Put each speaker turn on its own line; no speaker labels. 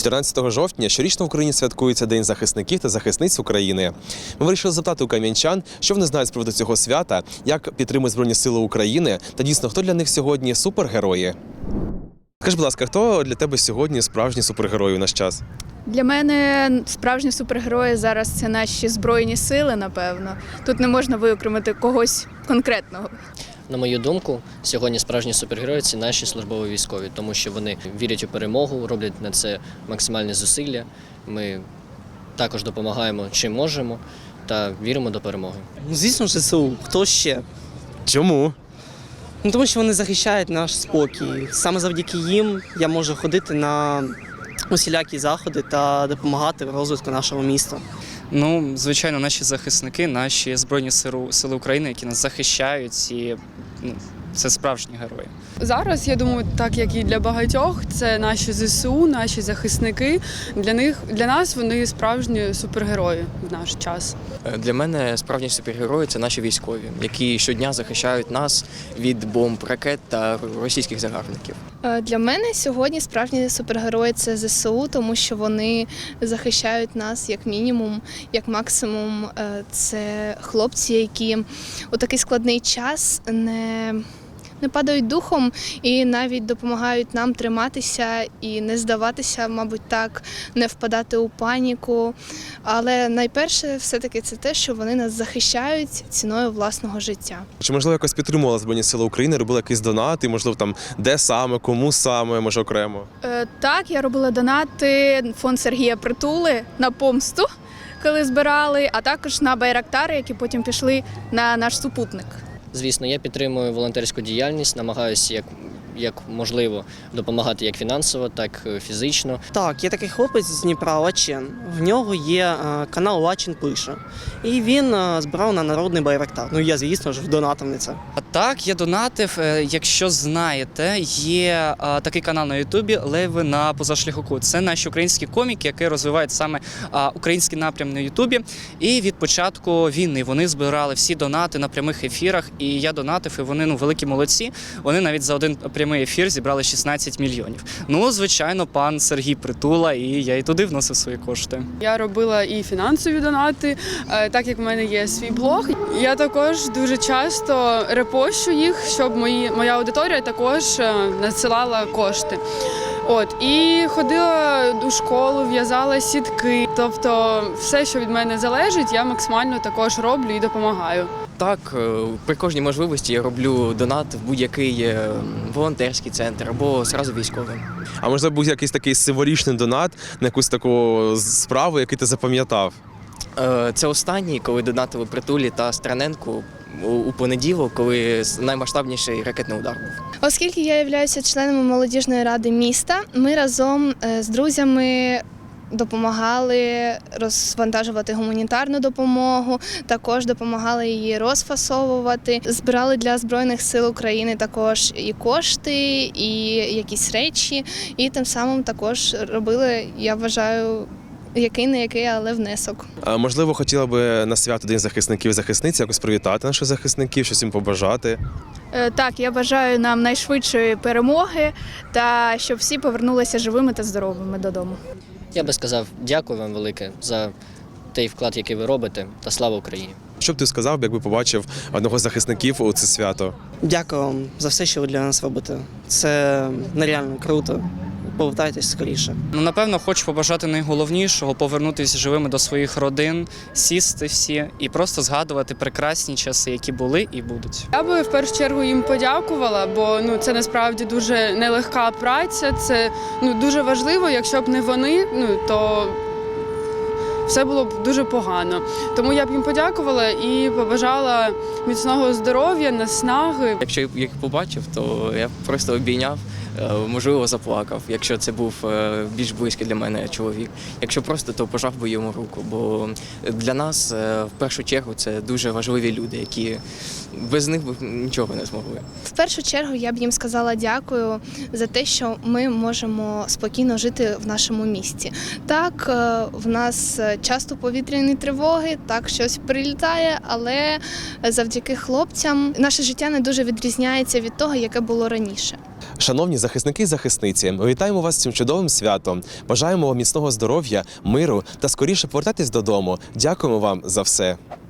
14 жовтня щорічно в Україні святкується День захисників та захисниць України. Ми вирішили запитати у кам'янчан, що вони знають з приводу цього свята, як підтримують Збройні Сили України та дійсно, хто для них сьогодні супергерої. Скажи, будь ласка, хто для тебе сьогодні справжні супергерої у наш час?
Для мене справжні супергерої зараз – це наші Збройні Сили, напевно. Тут не можна виокремити когось конкретного.
На мою думку, сьогодні справжні супергерої – це наші службові військові, тому що вони вірять у перемогу, роблять на це максимальні зусилля. Ми також допомагаємо чим можемо та віримо до перемоги.
Звісно, ЗСУ. Хто ще?
Чому?
Тому що вони захищають наш спокій. Саме завдяки їм я можу ходити на усілякі заходи та допомагати в розвитку нашого міста.
Звичайно, наші захисники, наші Збройні Сили України, які нас захищають, і це справжні герої.
Зараз, я думаю, так як і для багатьох, це наші ЗСУ, наші захисники. Для нас вони справжні супергерої в наш час.
Для мене справжні супергерої – це наші військові, які щодня захищають нас від бомб, ракет та російських загарбників.
Для мене сьогодні справжні супергерої – це ЗСУ, тому що вони захищають нас як мінімум, як максимум. Це хлопці, які у такий складний час не падають духом і навіть допомагають нам триматися і не здаватися, мабуть, так, не впадати у паніку. Але найперше все-таки це те, що вони нас захищають ціною власного життя.
Чи, можливо, якось підтримувала Збройні Сили України, робила якісь донати, можливо, там де саме, кому саме, може окремо?
Так, я робила донати фонд Сергія Притули на помсту, коли збирали, а також на байрактари, які потім пішли на наш супутник.
Звісно, я підтримую волонтерську діяльність, намагаюся як можливо допомагати як фінансово, так і фізично.
Так, є такий хлопець з Дніпра, Лачен. В нього є канал «Лачин пише». І він збирав на народний байрактар. Я, звісно ж, донатив на це.
Так, я донатив. Якщо знаєте, є такий канал на Ютубі «Леви на позашляховику». Це наші українські коміки, які розвивають саме український напрям на Ютубі. І від початку війни вони збирали всі донати на прямих ефірах. І я донатив, і вони великі молодці. Вони навіть за один прямий ефір зібрали 16 мільйонів. Звичайно, пан Сергій Притула, і я і туди вносив свої кошти.
Я робила і фінансові донати, так як в мене є свій блог. Я також дуже часто репощу їх, щоб моя аудиторія також надсилала кошти. І ходила у школу, в'язала сітки. Тобто все, що від мене залежить, я максимально також роблю і допомагаю.
Так, при кожній можливості я роблю донат в будь-який волонтерський центр або одразу військовим.
А можливо, був якийсь такий символічний донат на якусь таку справу, який ти запам'ятав?
Це останній, коли донатили Притулі та Страненку у понеділок, коли наймасштабніший ракетний удар був.
Оскільки я являюся членом молодіжної ради міста, ми разом з друзями допомагали розвантажувати гуманітарну допомогу, також допомагали її розфасовувати. Збирали для Збройних сил України також і кошти, і якісь речі, і тим самим також робили, я вважаю, який не який, але внесок.
Можливо, хотіла би на свято День захисників і захисниць якось привітати наших захисників, щось їм побажати?
Так, я бажаю нам найшвидшої перемоги та щоб всі повернулися живими та здоровими додому.
Я би сказав дякую вам велике за той вклад, який ви робите, та слава Україні.
Що б ти сказав, якби побачив одного з захисників у це свято?
Дякую вам за все, що ви для нас робите. Це нереально круто. Повертайтесь скоріше.
Напевно, хочу побажати найголовнішого – повернутися живими до своїх родин, сісти всі і просто згадувати прекрасні часи, які були і будуть.
Я би в першу чергу їм подякувала, бо це насправді дуже нелегка праця, це дуже важливо, якщо б не вони, то все було б дуже погано. Тому я б їм подякувала і побажала міцного здоров'я, наснаги.
Якщо я їх побачив, то я просто обійняв, можливо, заплакав, якщо це був більш близький для мене чоловік. Якщо просто, то пожав би йому руку, бо для нас в першу чергу це дуже важливі люди, які без них б нічого не змогли.
В першу чергу я б їм сказала дякую за те, що ми можемо спокійно жити в нашому місті. Так, в нас часто повітряні тривоги, так щось прилітає, але завдяки хлопцям наше життя не дуже відрізняється від того, яке було раніше.
Шановні захисники і захисниці, ми вітаємо вас з цим чудовим святом. Бажаємо вам міцного здоров'я, миру та скоріше повертатись додому. Дякуємо вам за все.